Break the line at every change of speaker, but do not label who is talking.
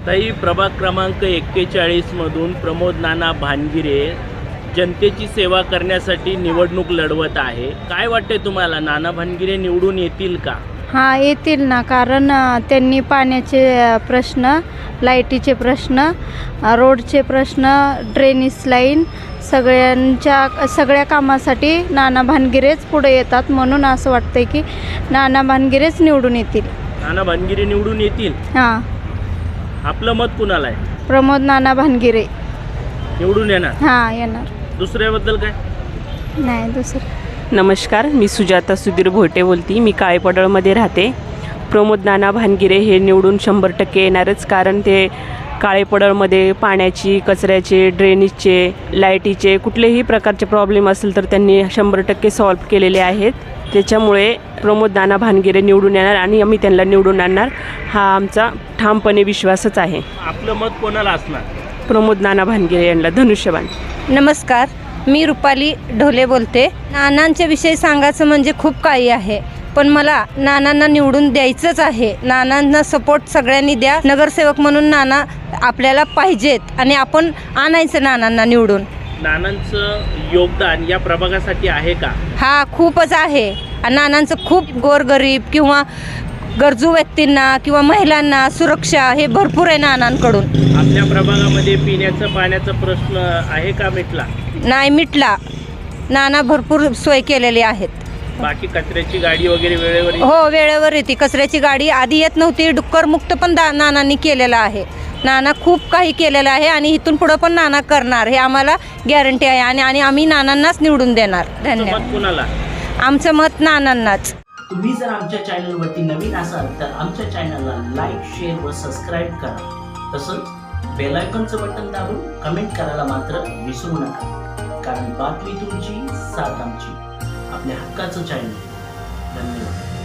ताई, प्रभाग क्रमांक 41 मधून प्रमोद नाना भानगिरे जनतेची सेवा करण्यासाठी निवडणूक लढवत आहे. काय वाटते तुम्हाला, नाना भानगिरे निवडून येतील का?
हां, येतील ना. कारण त्यांनी पाण्याचे प्रश्न, लाईटीचे प्रश्न, रोडचे प्रश्न, ड्रेनेज लाईन सगळ्या कामासाठी नाना भानगिरेच पुढे येतात. म्हणून असं वाटतंय की नाना भानगिरेच निवडून येतील.
नाना भानगिरे निवडून येतील.
हां,
आपलं मत कुणाला आहे?
प्रमोद नाना भानगिरे
निवडून येणार.
हां, येणार.
दुसऱ्याबद्दल काय?
नाही दुसरं.
नमस्कार, मी सुजाता सुधीर भोटे बोलती. मी काळेपडळमध्ये राहते. प्रमोद नाना भानगिरे हे निवडून 100% येणारच, कारण ते काळेपडळमध्ये पाण्याची, कचऱ्याचे, ड्रेनेजचे, लाईटीचे कुठलेही प्रकारचे प्रॉब्लेम असेल तर त्यांनी 100% सॉल्व्ह केलेले आहेत. त्याच्यामुळे प्रमोद नाना भानगिरे निवडून येणार आणि आम्ही त्यांना निवडून आणणार, हा आमचा ठामपणे विश्वासच आहे.
आपलं मत कोणाला असणार?
प्रमोद नाना भानगिरे यांना धनुष्यबाण.
नमस्कार, मी रुपाली ढोले बोलते. नानांच्या विषयी सांगायचं म्हणजे खूप काही आहे, पण मला नानांना निवडून द्यायचंच आहे. नानांना सपोर्ट सगळ्यांनी द्या. नगरसेवक म्हणून नाना आपल्याला पाहिजेत आणि आपण आणायचं नानांना निवडून.
नानांचं योगदान या प्रभागासाठी आहे का?
हा, खूपच आहे. नानांचं खूप गोरगरीब किंवा गरजू व्यक्तींना किंवा महिलांना सुरक्षा हे भरपूर आहे नानांकडून.
आपल्या प्रभागामध्ये पिण्याचं पाण्याचा प्रश्न आहे का मिटला?
नाही मिटला. नाना भरपूर सोय केलेली आहेत.
बाकी कचऱ्याची गाडी वगैरे वेळेवर येते?
हो, वेळेवर येते. कचऱ्याची गाडी आधी येत नव्हती. डुक्कर मुक्त पण नानांनी केलेलं आहे. नाना खूप काही केलेलं आहे आणि इथून पुढं पण नाना करणार, हे आम्हाला गॅरंटी आहे. आणि आम्ही नानांनाच निवडून देणार. धन्यवाद.
मत कुणाला?
आमचं मत नानांनाच.
तुम्ही जर आमच्या चॅनलवरती नवीन असाल तर आमच्या चॅनलला लाईक, शेअर व सबस्क्राईब करा. तसंच बेल आयकॉनचं बटन दाबून कमेंट करायला मात्र विसरू नका, कारण बातमी तुमची, साथ आमची. आपल्या हक्काचं चॅनल. धन्यवाद.